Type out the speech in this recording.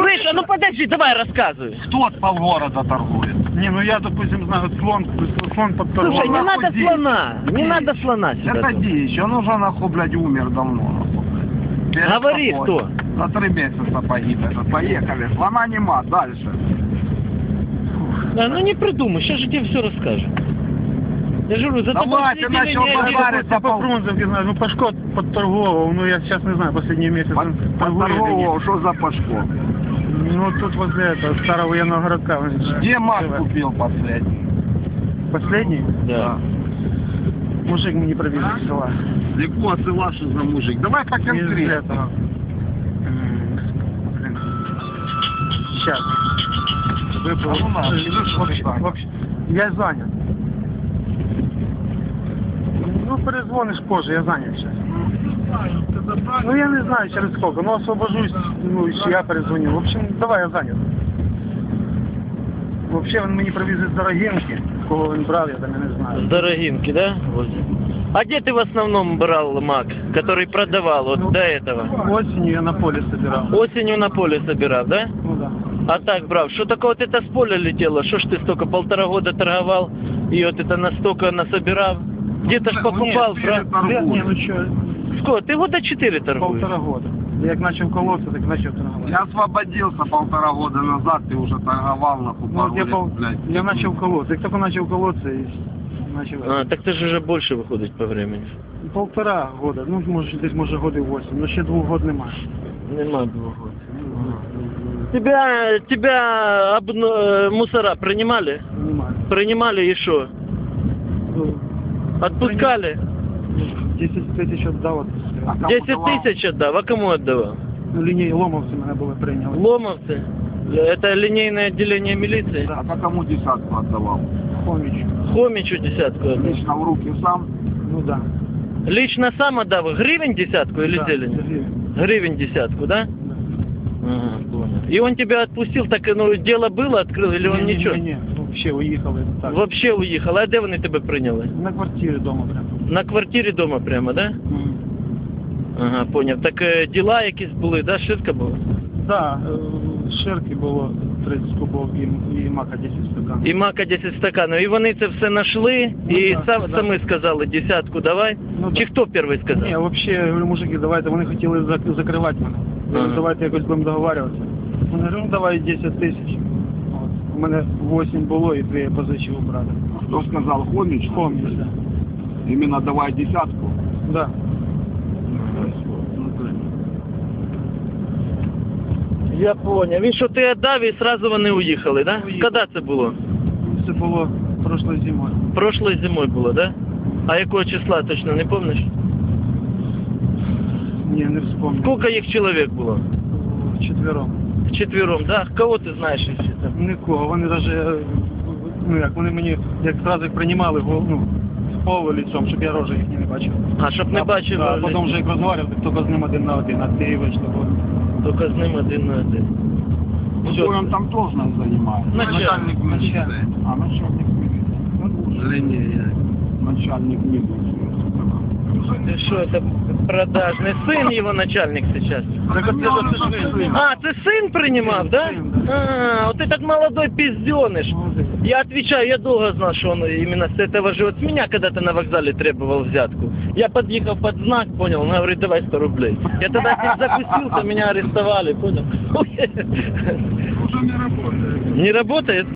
Слышь, а ну подожди, давай рассказывай. Кто от полгорода торгует? Не, ну я, допустим, знаю, слон под Слушай, не надо Ди. слона, не надо слона сюда. Это дичь, он уже, нахуй, блядь, умер давно, нахуй. Перед Говори, тобой. кто? За 3 месяца погиб этот. Поехали, слона нема, дальше. Да, ну не придумай, сейчас же тебе все расскажем. Я же говорю, за Давай, ты начал базарить. Я по Фрунзенке знаю, ну Пашко подторговывал, ну я сейчас не знаю, последние месяцы он торгует или нет. Подторговал, что за Пашко? Ну тут возле этого старого военного городка. Где маг купил последний? Последний? Да. Мужик мне не пробил из села. Легко, села, что за мужик? Давай по Из конкретно. этого. Блин. Сейчас. А ну на, скажи, что ты занят. Вообще, я занят. Ну, перезвонишь позже, я занят сейчас. Ну, я не знаю через сколько, но освобожусь, ну, еще я перезвоню. В общем, давай, я занят. Вообще, він мені привіз з Дорогинки, кого він брав, я там я не знаю. С Дорогинки, да? Возле. А где ты в основном брал мак, который продавал вот до этого? Осенью я на поле собирал. Осенью на поле собирал, да? Ну да. А так, брав, что такое вот это с поля летело? Что ж ты столько, 1,5 года торговал и вот это настолько насобирал? Где-то ж покупал, правда? Не, ну что, Сколько? Ты года 4 торгуешь? 1,5 года. Я как начал колоться, так начал торговать. Я освободился 1,5 года назад, ты уже торговал на Ну, вот купору, я начал колоться. Я только начал колоться и начал. А, так ты же уже больше выходит по времени. 1,5 года, ну може десь може годи 8, ну ще 2 год немає. Нема 2 года. Тебя мусора принимали? Немає. Принимали и что? Ну, Отпускали? 10 тисяч віддав, А кому 10 давал? тысяч отдав, а кому отдавал? ну, лінії ломовці мене були прийняли. Ломовцы? Это линейное отделение милиции? А кому десятку отдавал? Хоміч. Хомичу десятку отдал. Лично в руки сам? Ну да. Лично сам отдав? Гривен десятку или Да, зелень? Сергій. Гривен десятку, да? Да. Ага, понял. И он тебя отпустил, так ну дело было, открыл, или он ничего? Ні, взагалі уїхали. Так. Вообще уехал, а де вони тебе прийняли? На квартирі вдома прямо. На квартирі дома прямо, да? Ага, поняв. Так діла якісь були, да? Ширка була? Да, ширки було 30 кубов і мака 10 стакан. І мака 10 стаканів. І вони це все знайшли, Ну, і да, да. самі сказали, десятку давай? Ну, Чи да. хто перший сказав? Ні, взагалі, я говорю, мужики, давайте, вони хотіли закривати мене. Я говорю, Ага. давайте якось будемо договарюватися. Вони говорять, ну давай 10 тисяч. От. У мене 8 було і 2 я позичив у брата. Кто сказал, Хомич? Хоміч, да. Именно давай десятку? Да. Я поняв. Він що ти віддав і одразу вони уїхали, да? Уїхали. Коли це було? Це було прошлою зимою. Прошлою зимою було, да? А якого числа точно не пам'ятаєш? Ні, не вспомню. Скільки їх чоловік було? Четвером. Четвером, да? Кого ти знаєш ще там? Нікого. Вони навіть, ну як, вони мені, як зразу їх приймали, ну, з полу лицом, щоб я рожи їх не бачив. А, щоб не бачив. А потім вже як розмовляв, так тільки з ним 1 на 1, а ти вийшли. Тільки з ним 1 на 1. Ну, он там должность занимает. Начальник милиции. А, начальник милиции. Ну, Лінія. начальник милиции. Ты что, это продажный сын его начальник сейчас? Так це ж сын. А, ты сын принимал, да? Сын, да. А, вот этот молодой пизденыш. Я отвечаю, я долго знал, что он именно с этого живет. С меня когда-то на вокзале требовал взятку. Я подъехал под знак, понял, он говорит, давай 100 рублей. Я тогда с ним закусился, меня арестовали, понял? Уже не работает. Не работает?